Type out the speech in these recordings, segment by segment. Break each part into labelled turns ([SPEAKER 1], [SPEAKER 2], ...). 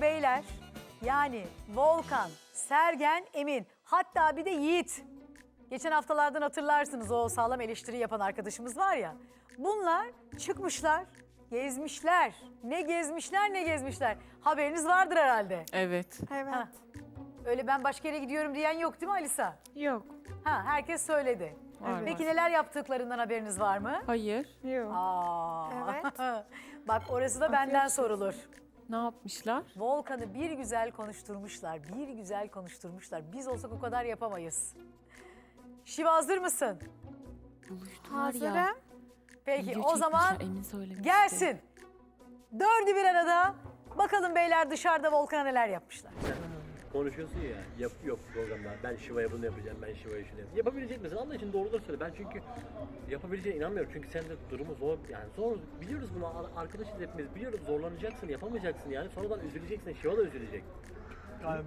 [SPEAKER 1] beyler, yani Volkan, Sergen, Emin, hatta bir de Yiğit. Geçen haftalardan hatırlarsınız, o sağlam eleştiri yapan arkadaşımız var ya. Bunlar çıkmışlar, gezmişler. Ne gezmişler ne gezmişler. Haberiniz vardır herhalde.
[SPEAKER 2] Evet.
[SPEAKER 3] Evet.
[SPEAKER 1] Ha. Öyle ben başka yere gidiyorum diyen yok değil mi Alisa?
[SPEAKER 2] Yok.
[SPEAKER 1] Ha, herkes söyledi.
[SPEAKER 2] Var,
[SPEAKER 1] Peki
[SPEAKER 2] var.
[SPEAKER 1] neler yaptıklarından haberiniz var mı?
[SPEAKER 2] Hayır.
[SPEAKER 3] Yok.
[SPEAKER 1] Aa.
[SPEAKER 3] Evet.
[SPEAKER 1] Bak orası da benden sorulur.
[SPEAKER 2] Ne yapmışlar?
[SPEAKER 1] Volkan'ı bir güzel konuşturmuşlar, bir güzel konuşturmuşlar. Biz olsak o kadar yapamayız. Şiva hazır mısın?
[SPEAKER 2] Buluştular ya.
[SPEAKER 3] Hazırım.
[SPEAKER 1] Peki
[SPEAKER 2] Video
[SPEAKER 1] o zaman
[SPEAKER 2] çekmişler, Emin söylemişti.
[SPEAKER 1] gelsin. Dördü bir arada. Bakalım beyler dışarıda Volkan'a neler yapmışlar.
[SPEAKER 4] Konuşuyorsun ya, yok programda ben Şiva'ya bunu yapacağım, ben Şiva'ya şunu yapacağım. Yapabilecek misin? Allah için doğruları söyle. Ben çünkü yapabileceğine inanmıyorum. Çünkü sen de durumu zor, yani zor. Biliyoruz bunu, arkadaşız hepimiz. Biliyoruz zorlanacaksın, yapamayacaksın yani. Sonradan üzüleceksin, Şiva da üzülecek.
[SPEAKER 5] Yani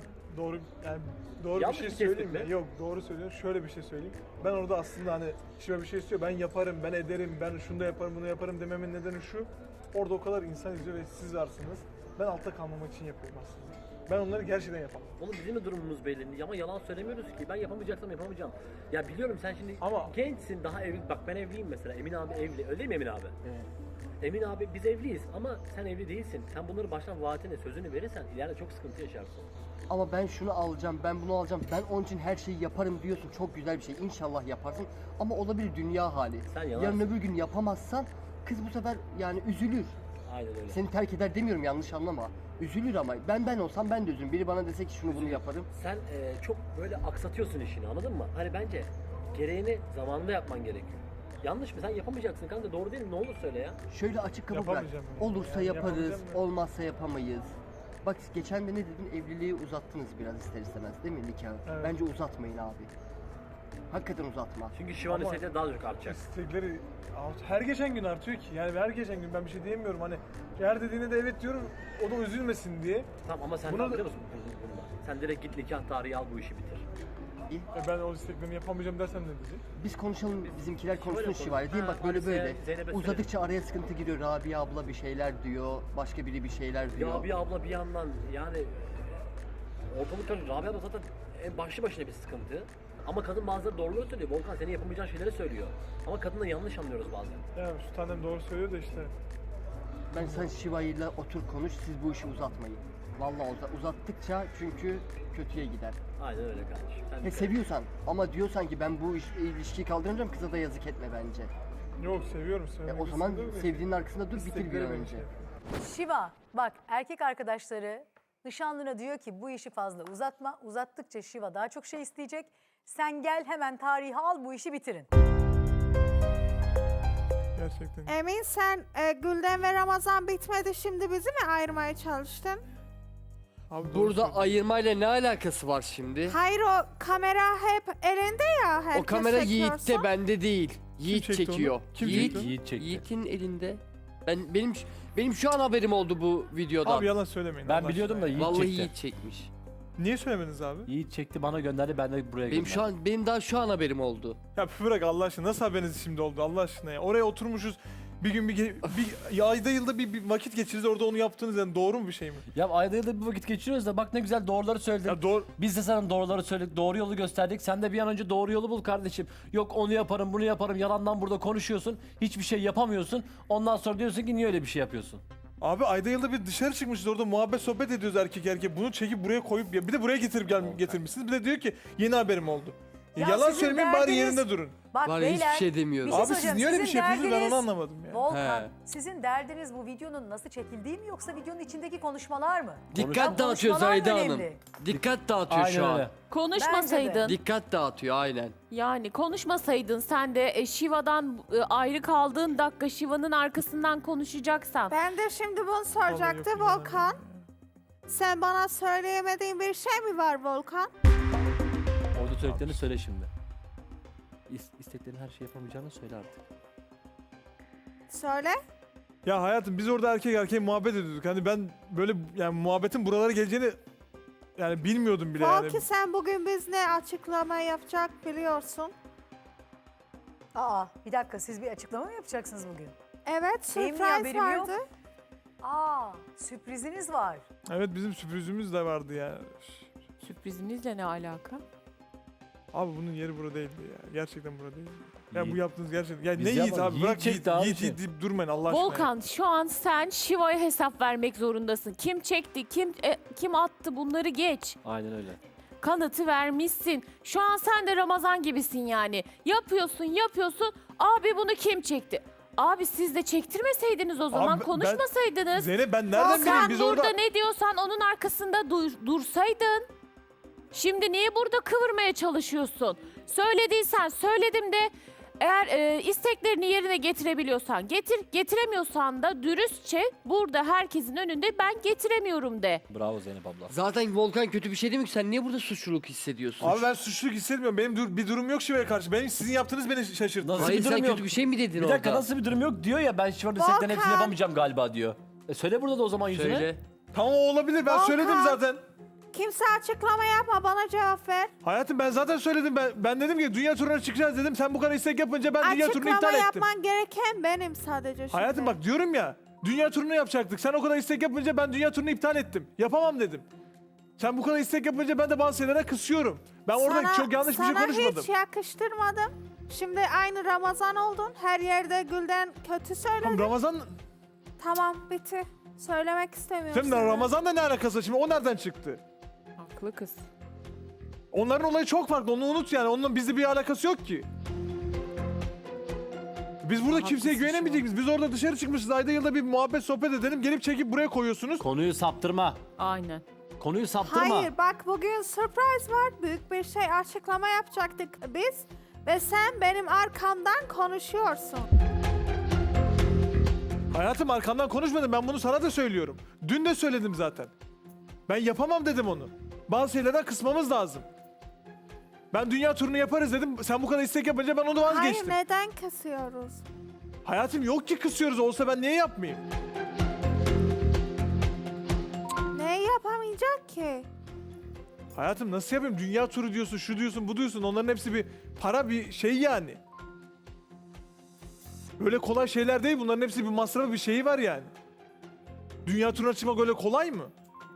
[SPEAKER 5] doğru
[SPEAKER 4] Yanlış
[SPEAKER 5] bir
[SPEAKER 4] bir
[SPEAKER 5] şey söyleyeyim
[SPEAKER 4] tespit
[SPEAKER 5] mi?
[SPEAKER 4] mi?
[SPEAKER 5] Yok, doğru söylüyorsun. Şöyle bir şey söyleyeyim. Ben orada aslında hani Şiva bir şey istiyor. Ben yaparım, ben ederim, ben şunu da yaparım, bunu yaparım dememin nedeni şu. Orada o kadar insan izliyor ve siz varsınız. Ben altta kalmamak için yapıyorum aslında. Ben onları gerçekten yapamam.
[SPEAKER 4] Oğlum bizim de durumumuz belli ama yalan söylemiyoruz ki. Ben yapamayacaksam yapamayacağım. Ya biliyorum sen şimdi
[SPEAKER 5] Ama-
[SPEAKER 4] gençsin, daha evli. Bak ben evliyim mesela. Emin abi evli. Öyle değil mi Emin abi? Emin abi biz evliyiz ama sen evli değilsin. Sen bunları baştan vaatine, sözünü verirsen ileride çok sıkıntı yaşarsın.
[SPEAKER 6] Ama ben şunu alacağım, ben bunu alacağım, ben onun için her şeyi yaparım diyorsun. Çok güzel bir şey. İnşallah yaparsın. Ama olabilir dünya hali.
[SPEAKER 4] Sen yalansın.
[SPEAKER 6] Yarın öbür gün yapamazsan kız bu sefer yani üzülür.
[SPEAKER 4] Aynen öyle.
[SPEAKER 6] Seni terk eder demiyorum, yanlış anlama. Üzülür ama ben olsam ben de üzülürüm. Biri bana dese ki şunu bunu yaparım.
[SPEAKER 4] Sen çok böyle aksatıyorsun işini, anladın mı? Hani bence gereğini zamanında yapman gerekiyor. Yanlış mı? Sen yapamayacaksın kanka, doğru değil mi? Ne olur söyle ya.
[SPEAKER 6] Şöyle açık kapı bırak.
[SPEAKER 5] Yapamayacağım yani.
[SPEAKER 6] Olursa
[SPEAKER 5] Yani
[SPEAKER 6] yaparız,
[SPEAKER 5] yapamayacağım ya.
[SPEAKER 6] olmazsa yapamayız. Bak geçen de ne dedin? Evliliği uzattınız biraz ister istemez değil mi nikahı?
[SPEAKER 5] Evet.
[SPEAKER 6] Bence uzatmayın abi. Hakikaten uzatma.
[SPEAKER 4] Çünkü Şiva'nın
[SPEAKER 5] Ama-
[SPEAKER 4] istekleri daha çok artacak.
[SPEAKER 5] İstekleri her geçen gün artıyor ki. Yani her geçen gün ben bir şey diyemiyorum. Hani her dediğine de evet diyorum. O da üzülmesin diye.
[SPEAKER 4] Tamam ama sen
[SPEAKER 5] Buna
[SPEAKER 4] ne
[SPEAKER 5] da-
[SPEAKER 4] biliyor musun bunda? Sen direkt git nikah tarihi al, bu işi bitir.
[SPEAKER 6] İyi.
[SPEAKER 5] Ben o isteklerimi yapamayacağım dersem ne diyecek?
[SPEAKER 6] Biz konuşalım, bizimkiler konuşsun
[SPEAKER 4] Şiva'yla
[SPEAKER 6] Şiva'yla değil mi?
[SPEAKER 4] konuş.
[SPEAKER 6] Bak böyle
[SPEAKER 4] Ha,
[SPEAKER 6] böyle.
[SPEAKER 4] Hadise'ye, Zeynep'e söyle.
[SPEAKER 6] Uzadıkça araya sıkıntı giriyor. Rabia abla bir şeyler diyor, başka biri bir şeyler diyor.
[SPEAKER 4] Ya bir abla bir yandan yani ortalık karışık. Rabia abla zaten en başlı başına bir sıkıntı. Ama kadın bazıları doğruları söylüyor. Volkan senin yapamayacağın şeyleri söylüyor. Ama kadınla yanlış anlıyoruz bazen.
[SPEAKER 5] Ya şu tanem doğru söylüyor da işte.
[SPEAKER 6] Ben sen Şiva'yla otur konuş, siz bu işi uzatmayın. Vallahi uzattıkça çünkü kötüye gider.
[SPEAKER 4] Aynen öyle kardeşim. Sen
[SPEAKER 6] He
[SPEAKER 4] de-
[SPEAKER 6] seviyorsan ama diyorsan ki ben bu ilişkiyi kaldıramayacağım, kıza da yazık etme bence.
[SPEAKER 5] Yok seviyorum.
[SPEAKER 6] O zaman sevdiğinin arkasında dur, bitir bir an önce.
[SPEAKER 1] Şiva, bak erkek arkadaşları nişanlına diyor ki bu işi fazla uzatma. Uzattıkça Şiva daha çok şey isteyecek. Sen gel hemen tarihi al, bu işi bitirin.
[SPEAKER 5] Gerçekten.
[SPEAKER 3] Emin sen Gülden ve Ramazan bitmedi, şimdi bizi mi ayırmaya çalıştın?
[SPEAKER 5] Abi doğru
[SPEAKER 6] Burada
[SPEAKER 5] söylüyor.
[SPEAKER 6] ayırmayla ne alakası var şimdi?
[SPEAKER 3] Hayır, o kamera hep elinde ya, herkes
[SPEAKER 6] O kamera
[SPEAKER 3] çekiyorsa.
[SPEAKER 6] Yiğit'te, bende değil. Yiğit
[SPEAKER 5] çekti
[SPEAKER 6] çekiyor.
[SPEAKER 5] onu? Kim
[SPEAKER 6] Yiğit,
[SPEAKER 5] çekti?
[SPEAKER 7] Yiğit çekti.
[SPEAKER 6] Yiğit'in elinde. Benim şu an haberim oldu bu videodan.
[SPEAKER 5] Abi yalan söylemeyin.
[SPEAKER 7] Ben
[SPEAKER 5] Allah
[SPEAKER 7] biliyordum da
[SPEAKER 5] aşkına ya.
[SPEAKER 7] Yiğit
[SPEAKER 6] Vallahi
[SPEAKER 7] çekti.
[SPEAKER 6] Yiğit çekmiş.
[SPEAKER 5] Niye söylemediniz abi?
[SPEAKER 7] Yiğit çekti, bana gönderdi, ben de buraya gönderdim.
[SPEAKER 6] Benim daha şu an haberim oldu.
[SPEAKER 5] Ya bırak Allah aşkına, nasıl haberiniz şimdi oldu Allah aşkına ya? Oraya oturmuşuz. Bir gün bir ayda yılda bir vakit geçiririz, orada onu yaptınız, yani doğru mu bir şey mi?
[SPEAKER 7] Ya ayda yılda bir vakit geçiriyoruz da bak ne güzel doğruları söyledin.
[SPEAKER 5] Ya doğru.
[SPEAKER 7] Biz de sana doğruları söyledik, doğru yolu gösterdik. Sen de bir an önce doğru yolu bul kardeşim. Yok onu yaparım, bunu yaparım. Yalandan burada konuşuyorsun. Hiçbir şey yapamıyorsun. Ondan sonra diyorsun ki niye öyle bir şey yapıyorsun?
[SPEAKER 5] Abi ayda yılda bir dışarı çıkmışız, orada muhabbet sohbet ediyoruz erkek erkeğe. Bunu çekip buraya koyup bir de buraya getirmişsiniz. Bir de diyor ki yeni haberim oldu.
[SPEAKER 1] Ya
[SPEAKER 5] Yalan
[SPEAKER 1] sizin
[SPEAKER 5] söylemeyin, bari
[SPEAKER 1] derdiniz-
[SPEAKER 5] yerinde durun.
[SPEAKER 1] Bak
[SPEAKER 6] Var ya,
[SPEAKER 1] beyler,
[SPEAKER 6] hiçbir şey demiyorum.
[SPEAKER 1] bir şey
[SPEAKER 5] Abi siz
[SPEAKER 1] söyleyeceğim.
[SPEAKER 5] niye öyle bir
[SPEAKER 1] Sizin
[SPEAKER 5] şey yapıyorsunuz, ben onu
[SPEAKER 1] derdiniz-
[SPEAKER 5] anlamadım ya.
[SPEAKER 1] Volkan,
[SPEAKER 7] He.
[SPEAKER 1] sizin derdiniz bu videonun nasıl çekildiği mi yoksa videonun içindeki konuşmalar mı?
[SPEAKER 6] Dikkat
[SPEAKER 1] Ya
[SPEAKER 6] dağıtıyor
[SPEAKER 1] konuşmalar
[SPEAKER 6] Zahide
[SPEAKER 1] mı
[SPEAKER 6] Hanım.
[SPEAKER 1] önemli?
[SPEAKER 6] Dikkat dağıtıyor
[SPEAKER 7] Aynen
[SPEAKER 6] şu an.
[SPEAKER 7] öyle.
[SPEAKER 2] Konuşmasaydın.
[SPEAKER 6] Dikkat dağıtıyor aynen.
[SPEAKER 2] Yani konuşmasaydın sen de Şiva'dan ayrı kaldığın dakika Şiva'nın arkasından konuşacaksan.
[SPEAKER 3] Ben de şimdi bunu
[SPEAKER 5] Vallahi
[SPEAKER 3] soracaktı
[SPEAKER 5] yok,
[SPEAKER 3] Volkan.
[SPEAKER 5] inanamıyorum
[SPEAKER 3] Sen bana söyleyemediğin bir şey mi var Volkan?
[SPEAKER 7] Orada söylediklerini söyle şimdi. İsteklerin her şey yapamayacağını söyle artık.
[SPEAKER 3] Söyle.
[SPEAKER 5] Ya hayatım, biz orada erkek erkeğe muhabbet ediyorduk. Hani ben böyle yani muhabbetin buralara geleceğini yani bilmiyordum bile yani.
[SPEAKER 3] Belki sen bugün biz ne açıklama yapacak biliyorsun.
[SPEAKER 1] Aa, bir dakika, siz bir açıklama mı yapacaksınız bugün?
[SPEAKER 3] Evet,
[SPEAKER 1] Benim niye
[SPEAKER 3] sürpriz
[SPEAKER 1] haberim yok?
[SPEAKER 3] vardı.
[SPEAKER 1] Aa, sürpriziniz var.
[SPEAKER 5] Evet, bizim sürprizimiz de vardı ya.
[SPEAKER 2] Sürprizinizle ne alaka?
[SPEAKER 5] Abi bunun yeri burada değildi ya. Gerçekten burada değildi. Ya bu
[SPEAKER 7] Yiğit.
[SPEAKER 5] yaptığınız gerçekten. Ya
[SPEAKER 7] Biz
[SPEAKER 5] ne Yiğit
[SPEAKER 7] yapmadık.
[SPEAKER 5] abi?
[SPEAKER 7] Yiğit
[SPEAKER 5] Bırak
[SPEAKER 7] çekti
[SPEAKER 5] Yiğit,
[SPEAKER 7] abi
[SPEAKER 5] Yiğit,
[SPEAKER 7] şey.
[SPEAKER 5] Yiğit deyip durmayın Allah aşkına.
[SPEAKER 2] Volkan şu an sen Şiva'ya hesap vermek zorundasın. Kim çekti, kim attı bunları geç.
[SPEAKER 7] Aynen öyle.
[SPEAKER 2] Kanıtı vermişsin. Şu an sen de Ramazan gibisin yani. Yapıyorsun. Abi bunu kim çekti? Abi siz de çektirmeseydiniz o zaman,
[SPEAKER 5] ben-
[SPEAKER 2] konuşmasaydınız.
[SPEAKER 5] Zeynep ben nereden bileyim
[SPEAKER 2] Sen
[SPEAKER 5] biz
[SPEAKER 2] burada
[SPEAKER 5] orada...
[SPEAKER 2] ne diyorsan onun arkasında dursaydın. Şimdi niye burada kıvırmaya çalışıyorsun? Söylediysen söyledim de, eğer isteklerini yerine getirebiliyorsan getir, getiremiyorsan da dürüstçe burada herkesin önünde ben getiremiyorum de.
[SPEAKER 7] Bravo Zeynep abla.
[SPEAKER 6] Zaten Volkan kötü bir şey değil mi ki? Sen niye burada suçluluk hissediyorsun?
[SPEAKER 5] Abi ben suçluluk hissetmiyorum. Benim bir durum yok Şiva'ya karşı. Benim sizin yaptığınız beni şaşırttı.
[SPEAKER 7] Nasıl
[SPEAKER 6] Hayır
[SPEAKER 7] bir
[SPEAKER 6] sen
[SPEAKER 7] durum yok?
[SPEAKER 6] kötü bir şey mi dedin
[SPEAKER 7] Bir dakika
[SPEAKER 6] orada?
[SPEAKER 7] nasıl bir durum yok diyor ya, ben Şiva'nın setlerin hepsini
[SPEAKER 3] Volkan.
[SPEAKER 7] yapamayacağım galiba diyor. Söyle burada da o zaman yüzüne.
[SPEAKER 6] Söyle.
[SPEAKER 5] Tamam o olabilir. Ben
[SPEAKER 3] Volkan.
[SPEAKER 5] söyledim zaten.
[SPEAKER 3] Kimse açıklama yapma, bana cevap ver.
[SPEAKER 5] Hayatım ben zaten söyledim. Ben dedim ki dünya turuna çıkacağız dedim. Sen bu kadar istek yapınca ben dünya turunu
[SPEAKER 3] Açıklama
[SPEAKER 5] iptal ettim.
[SPEAKER 3] yapman gereken benim sadece şimdi.
[SPEAKER 5] Hayatım bak diyorum ya. Dünya turunu yapacaktık. Sen o kadar istek yapınca ben dünya turunu iptal ettim. Yapamam dedim. Sen bu kadar istek yapınca ben de bazı şeylere kısıyorum. Ben orada çok yanlış bir şey konuşmadım.
[SPEAKER 3] Sana hiç yakıştırmadım. Şimdi aynı Ramazan oldun. Her yerde Gülden kötü söyledin.
[SPEAKER 5] Tamam Ramazan...
[SPEAKER 3] Tamam, bitti. Söylemek istemiyorum.
[SPEAKER 5] Şimdi
[SPEAKER 3] sana.
[SPEAKER 5] Ramazan'la ne alakası var? Şimdi o nereden çıktı?
[SPEAKER 2] Haklı kız.
[SPEAKER 5] Onların olayı çok farklı. Onu unut yani. Onunla bizde bir alakası yok ki. Biz burada kimseye
[SPEAKER 2] Haklısın
[SPEAKER 5] güvenemeyecek miyiz? Biz orada dışarı çıkmışız. Ayda yılda bir muhabbet sohbet edelim. Gelip çekip buraya koyuyorsunuz.
[SPEAKER 7] Konuyu saptırma.
[SPEAKER 2] Aynen.
[SPEAKER 7] Konuyu saptırma.
[SPEAKER 3] Hayır, bak bugün surprise var. Büyük bir şey, açıklama yapacaktık biz. Ve sen benim arkamdan konuşuyorsun.
[SPEAKER 5] Hayatım arkamdan konuşmadım. Ben bunu sana da söylüyorum. Dün de söyledim zaten. Ben yapamam dedim onu. Bazı şeylerden kısmamız lazım. Ben dünya turunu yaparız dedim. Sen bu kadar istek yapınca ben onu vazgeçtim.
[SPEAKER 3] Hayır, neden kısıyoruz?
[SPEAKER 5] Hayatım yok ki kısıyoruz. Olsa ben niye yapmayayım?
[SPEAKER 3] Ne yapamayacak ki?
[SPEAKER 5] Hayatım nasıl yapayım? Dünya turu diyorsun, şu diyorsun, bu diyorsun. Onların hepsi bir para, bir şey yani. Böyle kolay şeyler değil. Bunların hepsi bir masrafı, bir şeyi var yani. Dünya turuna çıkmak öyle kolay mı?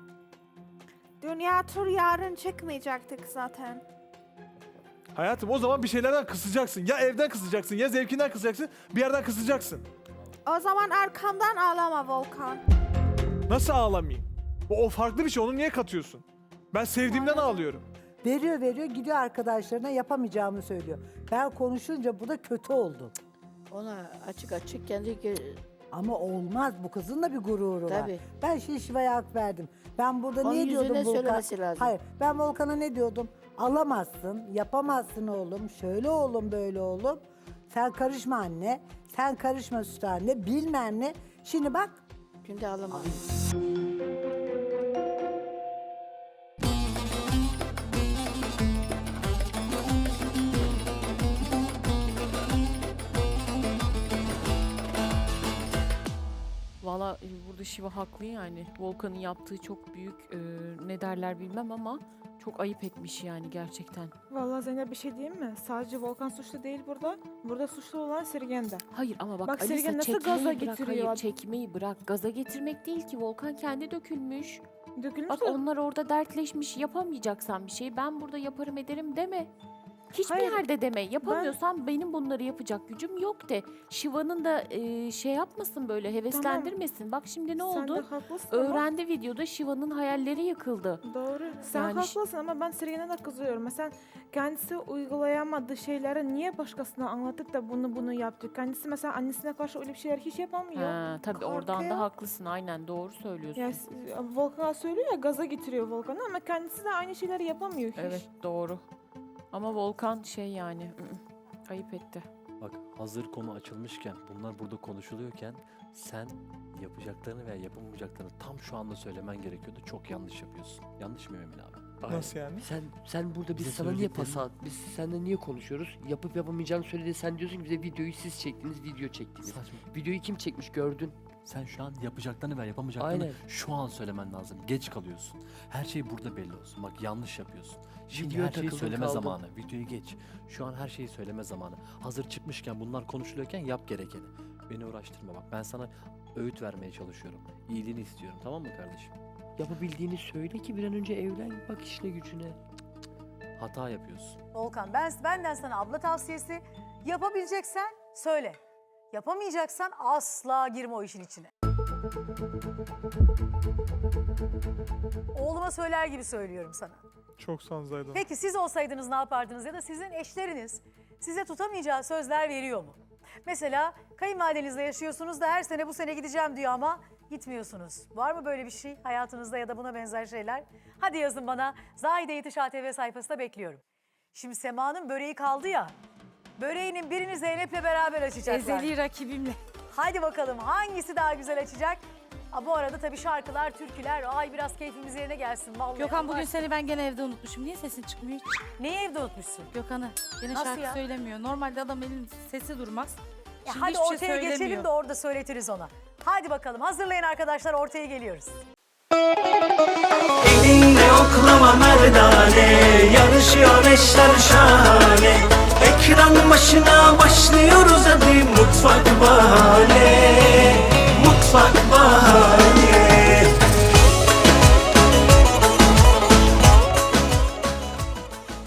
[SPEAKER 3] Dünya tur yarın çıkmayacaktık zaten.
[SPEAKER 5] Hayatım o zaman bir şeylerden kısacaksın. Ya evden kısacaksın, ya zevkinden kısacaksın, bir yerden kısacaksın.
[SPEAKER 3] O zaman arkamdan ağlama Volkan.
[SPEAKER 5] Nasıl ağlamayayım? O farklı bir şey. Onu niye katıyorsun? Ben sevdiğimden ağlıyorum.
[SPEAKER 8] Veriyor gidiyor arkadaşlarına yapamayacağımı söylüyor. Ben konuşunca bu da kötü oldu.
[SPEAKER 9] Ona açık kendi
[SPEAKER 8] Ama olmaz, bu kızın da bir gururu var.
[SPEAKER 9] Tabii.
[SPEAKER 8] Ben Şiva'ya hak verdim. Ben burada
[SPEAKER 9] Onun
[SPEAKER 8] ne diyordum
[SPEAKER 9] yüzüne
[SPEAKER 8] Volkan?
[SPEAKER 9] söylemesi lazım.
[SPEAKER 8] Hayır, ben Volkan'a ne diyordum? Alamazsın, yapamazsın oğlum, şöyle oğlum, böyle oğlum. Sen karışma anne, sen karışma süt anne, bilmem ne. Şimdi bak,
[SPEAKER 9] günde alamam.
[SPEAKER 2] Valla burada Şiva haklı yani. Volkan'ın yaptığı çok büyük, ne derler bilmem ama çok ayıp etmiş yani gerçekten.
[SPEAKER 10] Vallahi Zeynep bir şey diyeyim mi? Sadece Volkan suçlu değil burada. Burada suçlu olan Sirgen de.
[SPEAKER 2] Hayır ama bak,
[SPEAKER 10] Bak
[SPEAKER 2] Alisa,
[SPEAKER 10] Sergen nasıl
[SPEAKER 2] çekmeyi
[SPEAKER 10] gaza
[SPEAKER 2] bırak,
[SPEAKER 10] getiriyor?
[SPEAKER 2] hayır çekmeyi bırak. Gaza getirmek değil ki, Volkan kendi dökülmüş.
[SPEAKER 10] Dökülmüş
[SPEAKER 2] Bak
[SPEAKER 10] de-
[SPEAKER 2] onlar orada dertleşmiş, yapamayacaksan bir şey ben burada yaparım ederim deme. Hiçbir
[SPEAKER 10] Hayır,
[SPEAKER 2] yerde deme. Yapamıyorsan benim bunları yapacak gücüm yok de. Şiva'nın da şey yapmasın, böyle heveslendirmesin. Bak şimdi ne
[SPEAKER 10] Sen de
[SPEAKER 2] oldu?
[SPEAKER 10] haklısın ama-
[SPEAKER 2] Öğrendi videoda, Şiva'nın hayalleri yıkıldı.
[SPEAKER 10] Doğru. Sen
[SPEAKER 2] Yani
[SPEAKER 10] haklısın ama ben Sirgen'e de kızıyorum. Mesela kendisi uygulayamadığı şeyleri niye başkasına anlatıp da bunu yaptı? Kendisi mesela annesine karşı öyle bir şeyler hiç yapamıyor.
[SPEAKER 2] Ha, tabii oradan
[SPEAKER 3] Korkuyor.
[SPEAKER 2] da haklısın, aynen doğru söylüyorsun.
[SPEAKER 10] Ya Volkan'a söylüyor ya, gaza getiriyor Volkan'ı ama kendisi de aynı şeyleri yapamıyor hiç.
[SPEAKER 2] Evet doğru. Ama Volkan şey yani ayıp etti.
[SPEAKER 7] Bak hazır konu açılmışken, bunlar burada konuşuluyorken sen yapacaklarını veya yapamayacaklarını tam şu anda söylemen gerekiyordu. Çok yanlış yapıyorsun. Yanlış mı Emin abi?
[SPEAKER 5] Nasıl yani?
[SPEAKER 6] Sen burada biz
[SPEAKER 7] Bize
[SPEAKER 6] sana niye
[SPEAKER 7] söylediklerini-
[SPEAKER 6] pas at? Biz seninle niye konuşuyoruz? Yapıp yapamayacağını söyledi. Sen diyorsun ki bize videoyu siz çektiniz, video çektiniz.
[SPEAKER 7] Saçma.
[SPEAKER 6] Videoyu kim çekmiş gördün?
[SPEAKER 7] Sen şu an yapacaklarını veya yapamayacaklarını
[SPEAKER 6] Aynen.
[SPEAKER 7] şu an söylemen lazım. Geç kalıyorsun. Her şey burada belli olsun. Bak yanlış yapıyorsun. Şimdi
[SPEAKER 6] Videoya
[SPEAKER 7] her şeyi
[SPEAKER 6] takıldın,
[SPEAKER 7] söyleme
[SPEAKER 6] kaldın.
[SPEAKER 7] zamanı. Videoyu geç. Şu an her şeyi söyleme zamanı. Hazır çıkmışken, bunlar konuşuluyorken yap gerekeni. Beni uğraştırma bak. Ben sana öğüt vermeye çalışıyorum. İyiliğini istiyorum, tamam mı kardeşim?
[SPEAKER 6] Yapabildiğini söyle ki bir an önce evlen, bak işine gücüne.
[SPEAKER 7] Hata yapıyorsun.
[SPEAKER 1] Volkan benden sana abla tavsiyesi. Yapabileceksen söyle. Yapamayacaksan asla girme o işin içine. Oğluma söyler gibi söylüyorum sana.
[SPEAKER 5] Çok sağ ol Zahide.
[SPEAKER 1] Peki siz olsaydınız ne yapardınız ya da sizin eşleriniz size tutamayacağı sözler veriyor mu? Mesela kayınvalidenizle yaşıyorsunuz da her sene bu sene gideceğim diyor ama gitmiyorsunuz. Var mı böyle bir şey hayatınızda ya da buna benzer şeyler? Hadi yazın bana. Zahide Yetiş ATV sayfasında bekliyorum. Şimdi Sema'nın böreği kaldı ya. Böreğinin birini Zeynep'le beraber açacaklar.
[SPEAKER 11] Ezeli rakibimle.
[SPEAKER 1] Hadi bakalım hangisi daha güzel açacak? Bu arada tabii şarkılar, türküler, ay biraz keyfimiz yerine gelsin. Vallahi
[SPEAKER 11] Gökhan bugün
[SPEAKER 1] Allah-
[SPEAKER 11] seni ben gene evde unutmuşum. Niye sesin çıkmıyor hiç?
[SPEAKER 1] Neyi evde unutmuşsun?
[SPEAKER 11] Gökhan'ı. Yine
[SPEAKER 1] Nasıl
[SPEAKER 11] şarkı
[SPEAKER 1] ya?
[SPEAKER 11] söylemiyor. Normalde adam elin sesi durmaz. Şimdi
[SPEAKER 1] Hadi
[SPEAKER 11] hiçbir şey
[SPEAKER 1] ortaya geçelim
[SPEAKER 11] söylemiyor.
[SPEAKER 1] de orada söyletiriz ona. Hadi bakalım hazırlayın arkadaşlar, ortaya geliyoruz.
[SPEAKER 12] Elinle oklama merdane, yarışıyor eşler şahane. Ekran başına başlıyoruz hadi, mutfak bahane, mutfak bahane.